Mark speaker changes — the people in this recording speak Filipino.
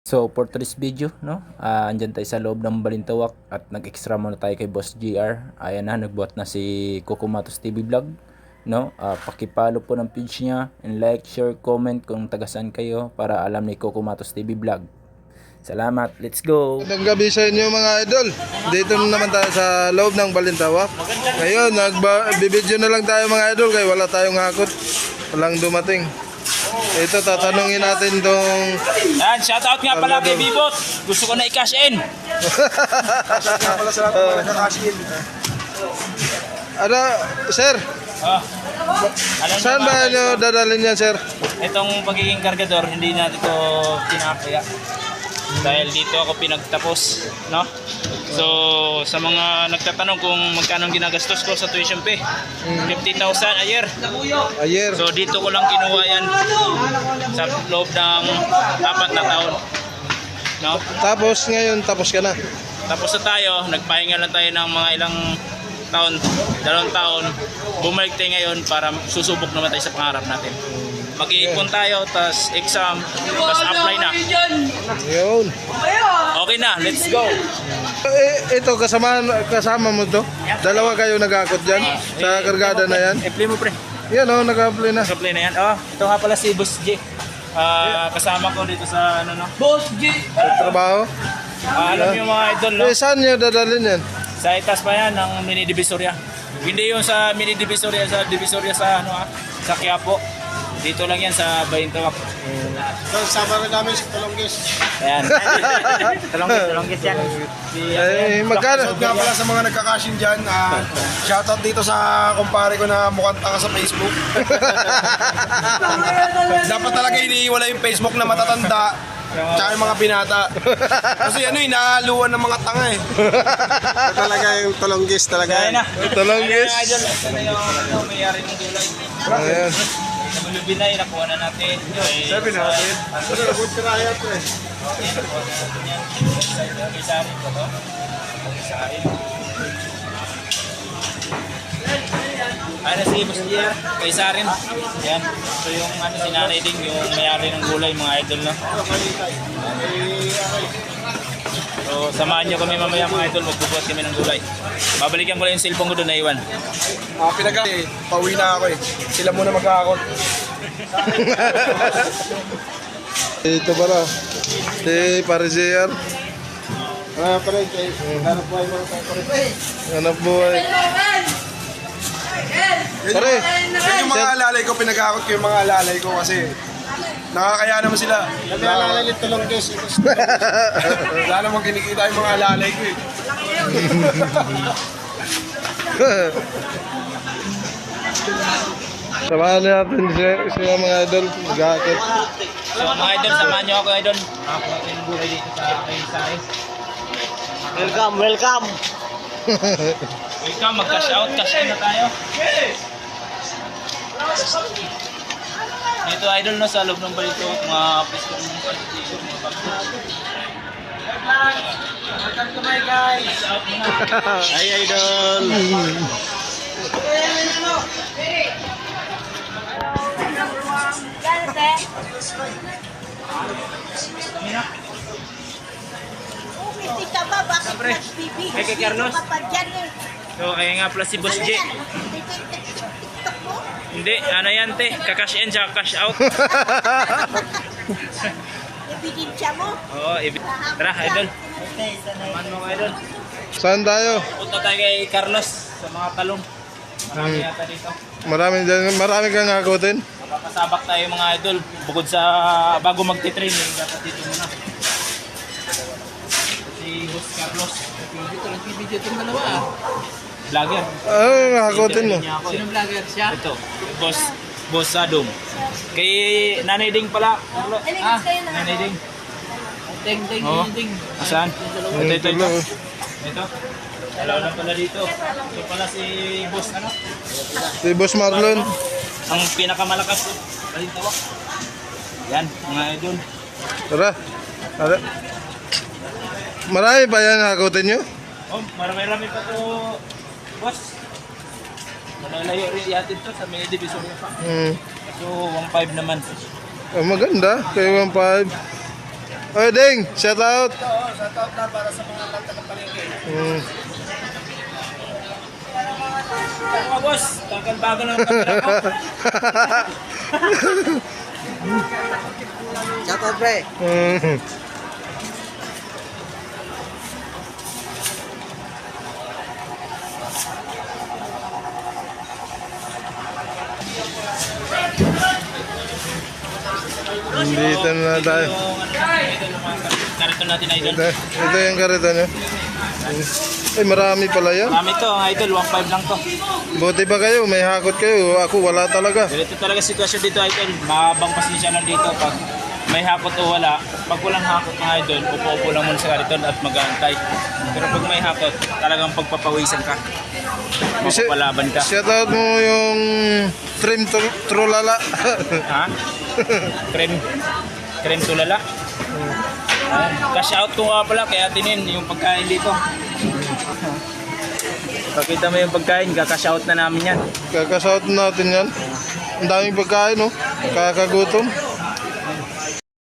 Speaker 1: So for today's video, no, andyan tayo sa loob ng Balintawak at nag-extra muna tayo kay Boss GR. Ayan na, nagbuhat na si Kukumatos TV Vlog, no. Paki-follow po ng page niya and like, share, comment kung taga-saan kayo para alam ni Kukumatos TV Vlog. Salamat, let's go.
Speaker 2: Magandang gabi sa inyo mga idol. Dito na naman tayo sa loob ng Balintawak. Ngayon, nagbibideo na lang tayo mga idol kaya wala tayong hakot. Walang dumating. Ito, tatanungin natin tong...
Speaker 3: Yan, shoutout nga pala kay Bibot. Gusto ko na i-cash in.
Speaker 2: pala sa lahat ng nakakash in. Ano, sir?
Speaker 3: Oh. Alam
Speaker 2: Saan
Speaker 3: niyo
Speaker 2: ba nyo dadalhin yan, sir?
Speaker 3: Itong pagiging kargador, hindi natin ito pinakaya. Dahil dito ako pinagtapos, no? So, sa mga nagtatanong kung magkano ginagastos ko sa tuition fee, 50,000 a year.
Speaker 2: Ayer.
Speaker 3: So, dito ko lang kinuha yan sa loob ng 4 na taon. No?
Speaker 2: Tapos ngayon, tapos ka na.
Speaker 3: Tapos na tayo, nagpahinga lang tayo ng mga ilang taon, 2 taon. Bumalik tayo ngayon para susubok naman tayo sa pangarap natin. Mag-iipon tayo, tas exam, tas apply na.
Speaker 2: Yun.
Speaker 3: Okay na, let's go.
Speaker 2: Ito, kasama mo to? Dalawa kayo nag-akot dyan? Sa kargada na yan?
Speaker 3: I-play mo pre.
Speaker 2: Yan o, nag-apply na.
Speaker 3: Apply na yan. Oh, ito nga pala si Boss J. Kasama ko dito sa ano no. Boss J.
Speaker 2: Sa trabaho?
Speaker 3: Alam niyo mga idol no.
Speaker 2: Saan nyo dadalhin yan?
Speaker 3: Sa itas pa yan ng mini divisoria. Hindi yung sa mini divisoria sa sa ano sa Quiapo. Dito lang yan sa Balintawak.
Speaker 2: So, sama na namin sa Talonggis.
Speaker 3: Ayan. Talonggis yan.
Speaker 2: Magkano?
Speaker 4: Nga pala sa mga nagkakashin dyan, shoutout dito sa kumpare ko na mukhang taka sa Facebook. Dapat talaga iniiwala yung Facebook na matatanda tsaka yung mga binata. Kasi ano inahaluan ng mga tanga eh. Talaga yung Talonggis talaga.
Speaker 3: Ayan na.
Speaker 2: Talonggis.
Speaker 3: Ayan na. Ito na yung mayari ng gulay.
Speaker 2: Ayan.
Speaker 3: Sa Bulubinay, nakuha na natin.
Speaker 4: Sabi natin. Good try ito eh.
Speaker 3: Okay, nakuha na natin yan. Kay Sarin ko to. Kay Sarin. Ayan na si Boss Jer, kay Sarin. Yan. So yung ano, si Nanay Ding, yung mayari ng gulay, mga idol na. So samahan nyo kami mamaya mga idol, magbubuhat kami ng gulay. Babalikan ko lang yung cellphone ko doon na iwan.
Speaker 4: Pauwi na ako eh. Sila muna mag-aakot.
Speaker 2: Ito pala. Si Parisier.
Speaker 4: Pare, hanap buhay mo tayo pare.
Speaker 2: Hanap buhay. Pare.
Speaker 4: Yan yung mga alalay ko, pinag-aakot ko yung mga alalay ko kasi nakakaya naman sila. Nag-aalalay yung Talonggis. Wala namang kinikita yung mga alalay ko eh.
Speaker 2: Samahan natin siya mga idol. Mag-akit.
Speaker 3: So mga idol, samahan nyo ako idol. Nakakuha ko yung gulay dito sa kay Sarin.
Speaker 4: Welcome, welcome.
Speaker 3: Welcome, mag-cash out, cash in na tayo. Dito idol no, sa loob ng balito, mga office ko ng balito, mga bagto. Welcome to my guys. Out muna.
Speaker 4: Hi idol.
Speaker 5: Hindi ka ba? Bakit
Speaker 3: Siyempre.
Speaker 5: nagbibigay?
Speaker 3: Kay Kay Carlos.
Speaker 5: Hindi ka pa dyan eh.
Speaker 3: So kaya nga pala si Boss
Speaker 5: Ano
Speaker 3: J.
Speaker 5: yan? TikTok mo?
Speaker 3: Hindi, ano yan te, kakash in siya, cash out.
Speaker 5: Ebidensya mo?
Speaker 3: Oo, tara idol. Samahan mo ko idol.
Speaker 2: Saan tayo?
Speaker 3: Punta tayo kay Carlos sa mga talong. Marami yata dito.
Speaker 2: Marami kang akutin.
Speaker 3: Makakasabak tayo mga idol. Bukod sa bago magti-training, dapat dito muna. Si Boss Carlos. Dito lang video itong dalawa. Vlogger.
Speaker 2: Ano akutin mo?
Speaker 3: Sino vlogger siya? Ito. Boss Adom. Kay Nanay Ding pala. Nanay Ding. Ding. Saan? Ito. Ito. Dalaw lang pala dito. Ito pala si Boss ano?
Speaker 2: Si Boss Marlon.
Speaker 3: Ang pinakamalakas. Balintawak. Yan, mga idol.
Speaker 2: Tara. Tara. Marami pa yan akutin nyo?
Speaker 3: Oh, marami-rami pa to, boss. Malalayo rin yatid to sa mini division pa. So, 1.5 naman.
Speaker 2: Maganda. Kaya 1.5. Oy, Ding, shout out.
Speaker 4: Shout out na para sa mga kanta ng palengke.
Speaker 2: Mm.
Speaker 3: Mga boss, bagal ng camera ko.
Speaker 2: Mm. Dito na tayo.
Speaker 3: Karito natin idol.
Speaker 2: Ito yung karito niya. Ay, marami pala yan.
Speaker 3: Marami to, ang idol, 1.5 lang to.
Speaker 2: Buti pa kayo, may hakot kayo. Ako wala talaga.
Speaker 3: Ganito talaga sitwasyon dito idol. Mahabang pasensya lang dito pag may hakot o wala. Pag walang hakot ng idol, upo-upo lang muna sa kariton at mag-aantay. Pero pag may hakot, talagang pagpapawisan ka. Mapapalaban ka.
Speaker 2: Shout out mo yung trim trulala.
Speaker 3: Ha? Krem tulala. Cash out ko nga pala kaya tinin yung pagkain dito. Pakita mo yung pagkain, kakash out na namin yan.
Speaker 2: Kakashout natin yan. Ang daming pagkain, no? Kakagutom.